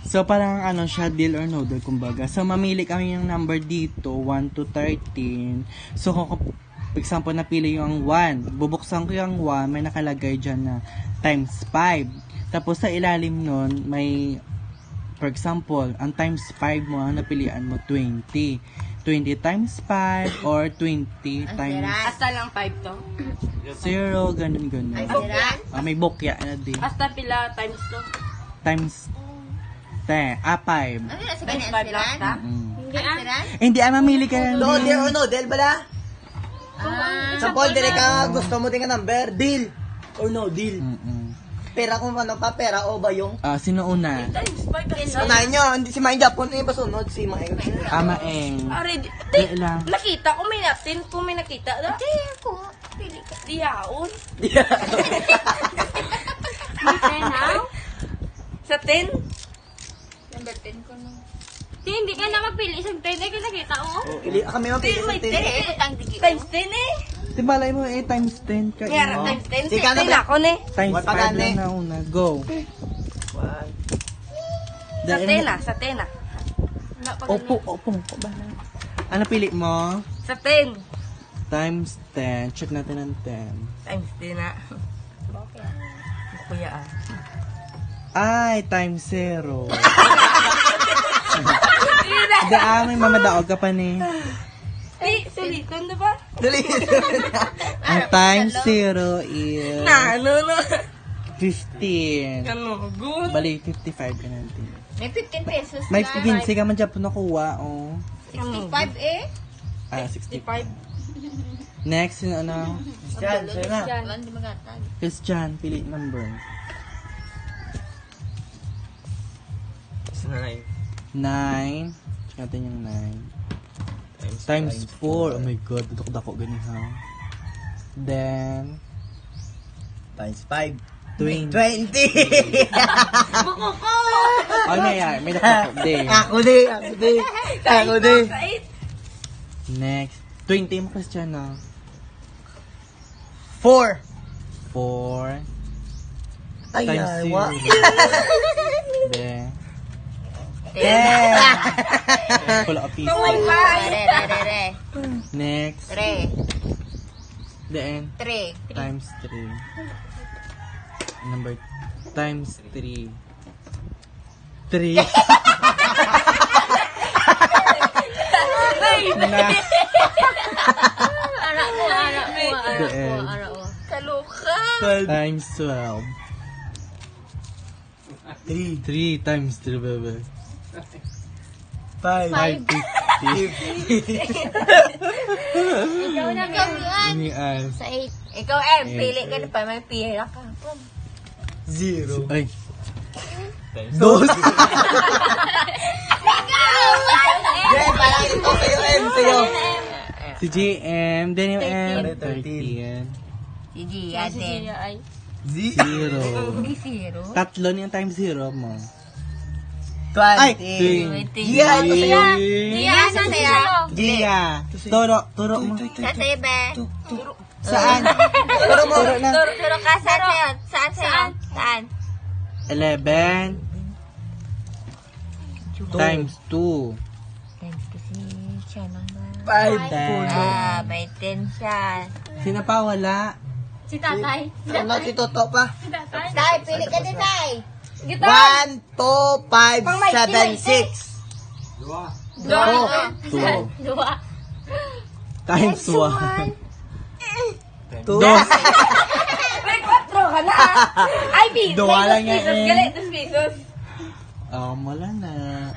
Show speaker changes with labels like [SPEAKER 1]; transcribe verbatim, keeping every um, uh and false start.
[SPEAKER 1] So, parang ano siya, deal or no deal, kumbaga. So, mamili kami yung number dito, one to thirteen. So, kung, for example, napili yung one, bubuksan ko yung one, may nakalagay dyan na times five. Tapos, sa ilalim nun, may, for example, ang times five mo, ang napilian mo, twenty. twenty times five or twenty times
[SPEAKER 2] Hasta lang five to?
[SPEAKER 1] zero, ganun, ganun. Ah, may bokya na din.
[SPEAKER 2] Hasta pila times to?
[SPEAKER 1] Times ten. Ah, five.
[SPEAKER 2] Times five lang ta?
[SPEAKER 1] Mm.
[SPEAKER 3] Hindi ah.
[SPEAKER 1] Eh, hindi, ah, mamili ka lang.
[SPEAKER 4] No
[SPEAKER 1] din.
[SPEAKER 4] deal or no deal bala?
[SPEAKER 3] Ah,
[SPEAKER 4] Sa folder ka gusto mo din ka number, deal or no deal.
[SPEAKER 1] Mm-mm.
[SPEAKER 4] Pera kung ano pa, pera o ba yung?
[SPEAKER 1] Ah, sino una?
[SPEAKER 2] Times five kasi.
[SPEAKER 4] Unahin nyo, hindi si Maing Japon, eh, basunod si Maing.
[SPEAKER 1] Ama Eng.
[SPEAKER 2] Ari, di,
[SPEAKER 1] Di lang.
[SPEAKER 2] nakita ko may natin, kung may nakita.
[SPEAKER 3] Hindi ako. Pili ka.
[SPEAKER 2] Di yaon.
[SPEAKER 3] Ten now?
[SPEAKER 2] Sa ten?
[SPEAKER 3] Number ten ko no. Di, hindi ka na magpili. Isang ten ay nakita ko.
[SPEAKER 4] Ili, kami mapili
[SPEAKER 2] May
[SPEAKER 4] sa
[SPEAKER 2] ten
[SPEAKER 4] tin.
[SPEAKER 2] eh. Times ten eh.
[SPEAKER 1] Di balay mo eh, times ten ka.
[SPEAKER 2] Kaya
[SPEAKER 1] eh.
[SPEAKER 2] times ten.
[SPEAKER 4] Sige, ano
[SPEAKER 2] ten
[SPEAKER 4] ba?
[SPEAKER 2] ako ne.
[SPEAKER 1] Times
[SPEAKER 4] Wala pa
[SPEAKER 1] five
[SPEAKER 4] gani.
[SPEAKER 1] lang na una. Go.
[SPEAKER 4] One.
[SPEAKER 2] Sa
[SPEAKER 1] Dahil-
[SPEAKER 2] ten ah, sa ten ah.
[SPEAKER 1] Opo, opo. Opo ba na? Ano pili mo?
[SPEAKER 2] Sa ten.
[SPEAKER 1] Times ten. Check natin ang ten.
[SPEAKER 2] Times ten ah. Kuya ah.
[SPEAKER 1] Ay, times zero. Hindi ah, may mamadaog ka pa ni.
[SPEAKER 2] Di, sulitan na ba?
[SPEAKER 4] Dali.
[SPEAKER 1] Ang times zero is
[SPEAKER 2] Na, ano no.
[SPEAKER 1] fifteen.
[SPEAKER 2] Ano, good.
[SPEAKER 1] Bali, fifty-five ka natin.
[SPEAKER 3] May fifteen pesos
[SPEAKER 1] May
[SPEAKER 3] na.
[SPEAKER 1] pinsi ka man dyan po nakuha, oh.
[SPEAKER 3] sixty-five eh.
[SPEAKER 1] Ah, sixty.
[SPEAKER 2] Five.
[SPEAKER 1] Next, yun ano?
[SPEAKER 4] Diyan, sa'yo na.
[SPEAKER 3] Wala, hindi magatag.
[SPEAKER 1] Christian, pili number.
[SPEAKER 4] Nine.
[SPEAKER 1] Nine. Check natin yung nine. Times four. Oh my god, dudok-dako ganun ha. Then,
[SPEAKER 4] Times five.
[SPEAKER 1] twenty.
[SPEAKER 4] Twenty.
[SPEAKER 1] Oh, may, ah, may dako din.
[SPEAKER 4] Ako di, ako di. Ako di.
[SPEAKER 1] Next. twenty mo, Christian, ah.
[SPEAKER 4] Four.
[SPEAKER 1] Four.
[SPEAKER 4] Ay,
[SPEAKER 1] Times
[SPEAKER 4] ay,
[SPEAKER 1] zero.
[SPEAKER 4] wa.
[SPEAKER 1] Then,
[SPEAKER 4] Ten.
[SPEAKER 1] pull up piece.
[SPEAKER 2] Oh my God.
[SPEAKER 3] Re, re, re, re.
[SPEAKER 1] Next.
[SPEAKER 3] Tre.
[SPEAKER 1] Then,
[SPEAKER 3] Tre.
[SPEAKER 1] times three. Number, times three. Three. Na.
[SPEAKER 3] Anak ko, anak ko, anak ko,
[SPEAKER 1] Then,
[SPEAKER 3] anak ko.
[SPEAKER 2] Kaluka.
[SPEAKER 1] times twelve.
[SPEAKER 4] Three.
[SPEAKER 1] Three times three, baby.
[SPEAKER 4] Five.
[SPEAKER 1] Five fifty.
[SPEAKER 3] Ikaw na, ikaw yan.
[SPEAKER 1] Ini as.
[SPEAKER 3] Sa eight.
[SPEAKER 2] Ikaw eh, pili ka na pa, may pira ka.
[SPEAKER 4] Zero.
[SPEAKER 1] Ay.
[SPEAKER 4] Dos. Jen, parang ito sa'yo, M, sa'yo.
[SPEAKER 1] Si J M. Then yung M.
[SPEAKER 4] thirteen.
[SPEAKER 1] thirteen.
[SPEAKER 3] Si Gia din.
[SPEAKER 1] Zero.
[SPEAKER 3] Hindi zero.
[SPEAKER 1] Tatlo yung times zero mo.
[SPEAKER 4] Twenty.
[SPEAKER 1] Twenty.
[SPEAKER 4] Gia, ito sa'yo.
[SPEAKER 3] Gia, saan sa'yo?
[SPEAKER 1] Gia. Turo. Turo mo.
[SPEAKER 3] Saan sa'yo, be?
[SPEAKER 1] Saan?
[SPEAKER 4] Turo mo.
[SPEAKER 1] Turo na.
[SPEAKER 3] Turo, turo ka. Saan sa'yo? Saan sa'yo? Saan?
[SPEAKER 1] Eleven. Times two.
[SPEAKER 3] Times kasi siya naman.
[SPEAKER 4] Five.
[SPEAKER 1] Ten.
[SPEAKER 3] Ah, may ten siya.
[SPEAKER 1] Sino pa wala?
[SPEAKER 3] Si tatay.
[SPEAKER 4] Ano, si Toto pa?
[SPEAKER 3] Tay, pili ka din, tay.
[SPEAKER 4] One, two, five, seven, six.
[SPEAKER 3] Dua.
[SPEAKER 1] Two.
[SPEAKER 3] Dua.
[SPEAKER 1] Times one.
[SPEAKER 4] Two.
[SPEAKER 1] Dos.
[SPEAKER 2] May kwatro ka na. Ay, pisos.
[SPEAKER 1] Dua lang yan
[SPEAKER 2] Pisos,
[SPEAKER 1] eh.
[SPEAKER 2] galit, dos pisos.
[SPEAKER 1] Um, wala na.